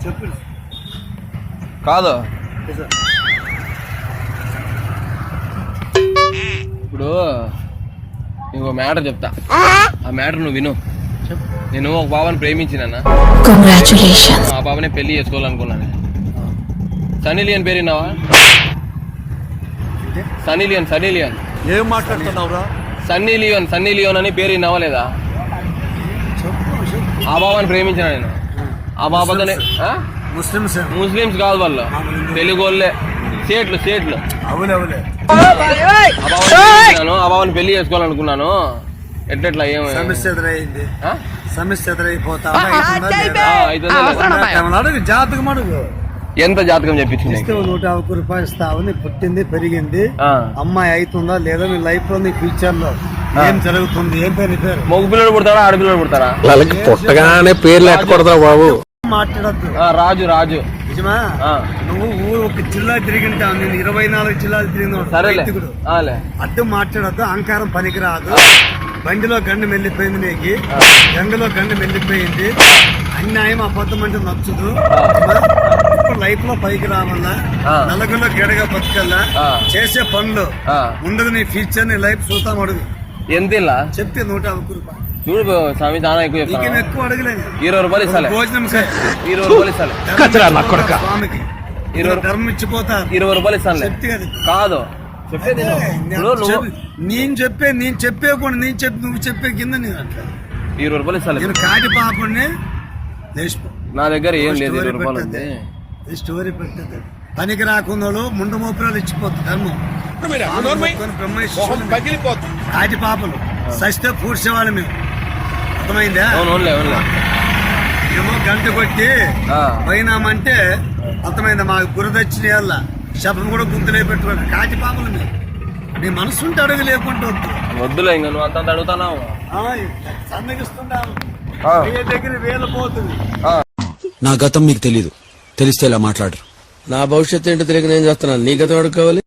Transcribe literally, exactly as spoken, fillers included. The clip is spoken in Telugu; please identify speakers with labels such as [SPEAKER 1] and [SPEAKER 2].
[SPEAKER 1] చెప్పు
[SPEAKER 2] కాదు ఇప్పుడు ఇంకో మ్యాటర్ చెప్తా, ఆ మ్యాటర్ నువ్వు విను. నేను ఒక బాబాని ప్రేమించినా, ఆ బాబానే పెళ్లి చేసుకోవాలనుకున్నాను. సన్నీ లియోన్ పేరు విన్నావా? సన్నీ లియోన్ సన్నీ లియోన్
[SPEAKER 1] ఏం మాట్లాడుతున్నావురా?
[SPEAKER 2] సన్నీ లియోన్ సన్నీ లియోన్ అని పేరు విన్నావా లేదా? ఆ బాబాని ప్రేమించిన నేను. ఆ బాబాతోనే
[SPEAKER 1] ముస్లిమ్స్
[SPEAKER 2] ముస్లిమ్స్ కాదు వాళ్ళు, తెలుగు వాళ్ళే, సేట్లు సేట్లు.
[SPEAKER 1] అవునవులే
[SPEAKER 2] ఆ బాబాను ఆ బాబాని పెళ్లి చేసుకోవాలనుకున్నాను. ఎట్లెట్లా ఏం
[SPEAKER 1] సమస్య ఎదురైంది, సమస్య ఎదురైపోతా జాతకం అడుగు.
[SPEAKER 2] ఎంత జాతకం చెప్పించింది?
[SPEAKER 1] నూట యాభై రూపాయలు ఇస్తావు. నీ పుట్టింది పెరిగింది అమ్మాయి అవుతుందా లేదా, నీ లైఫ్ లో నీ ఫ్యూచర్ లో ఏం జరుగుతుంది, ఏం పేరు పేరు
[SPEAKER 2] మగ పిల్లలు పుడతారా ఆడపిల్లలు పుడతారా?
[SPEAKER 3] వాళ్ళకి పుట్టగానే పేర్లు ఎట్టకూడదురా బాబు.
[SPEAKER 1] మాట్లాడద్దు.
[SPEAKER 2] రాజు రాజు
[SPEAKER 1] నిజమా? నువ్వు ఊరు ఒక జిల్లా తిరిగింటావు, నేను ఇరవై నాలుగు జిల్లాలు తిరిగిన. అడ్డు మాట్లాడద్దు, అహంకారం పనికిరాదు. బండిలో గండు మెల్లిపోయింది, నీకు గంగలో గండు మెల్లిపోయింది. అన్యాయం అబద్ధం అంటే నచ్చుదు. ఇప్పుడు లైఫ్ లో పైకి రావాలా, నలుగులో గెడగా బతకల్లా, చేసే పనులు ముందుకు నీ ఫ్యూచర్ నీ లైఫ్ చూస్తాం. అడుగు
[SPEAKER 2] ఎంత
[SPEAKER 1] చెప్తే నూట యాభై రూపాయలు
[SPEAKER 2] చూడు స్వామి, చాలా ఎక్కువ చెప్తాను.
[SPEAKER 1] ఎక్కువ అడగలేదు.
[SPEAKER 2] ఇరవై రూపాయలు ఇస్తాను.
[SPEAKER 1] భోజనం
[SPEAKER 2] ఇరవై రూపాయలు ఇస్తాను.
[SPEAKER 1] స్వామికి ఇరవై ధర్మం ఇచ్చిపోతా.
[SPEAKER 2] ఇరవై రూపాయలు ఇస్తాను.
[SPEAKER 1] చెప్తే కదా
[SPEAKER 2] కాదు
[SPEAKER 1] నేను చెప్పే నేను చెప్పే కూడా నేను చెప్పి నువ్వు చెప్పే కింద నేను అట్లా
[SPEAKER 2] ఇరవై రూపాయలు ఇస్తాను.
[SPEAKER 1] నేను కాటి పాపని లేచిపో.
[SPEAKER 2] నా దగ్గర ఏం లేదు. ఇరవై రూపాయలు ఉంది.
[SPEAKER 1] స్టోరీ పెట్టదు. పనికి రాకుండా ముందు మోపురాలు ఇచ్చిపోతుంది ధర్మం. కాటి పాపలు సస్తే పూడ్చేవాళ్ళు మేము. అర్థమైందా? ఏమో గంట కొట్టి పోయినామంటే అర్థమైందా? మా గురుదక్షిణ వల్ల శబ్దం కూడా గుంతులే పెట్టుకోండి. కాటి పాపలు మేము. నీ మనసు ఉంటే అడుగు లేకుంటే వద్దు.
[SPEAKER 2] వద్దులే, ఇంకా నువ్వు అంత అడుగుతున్నావు.
[SPEAKER 1] సన్నగిస్తున్నావు దగ్గర వేలు పోతుంది.
[SPEAKER 3] నా గతం మీకు తెలీదు, తెలిస్తే ఇలా మాట్లాడరు. నా భవిష్యత్తు ఏంటో తెలియక నేను చేస్తున్నాను. నీ గతం అడుగు కావాలి.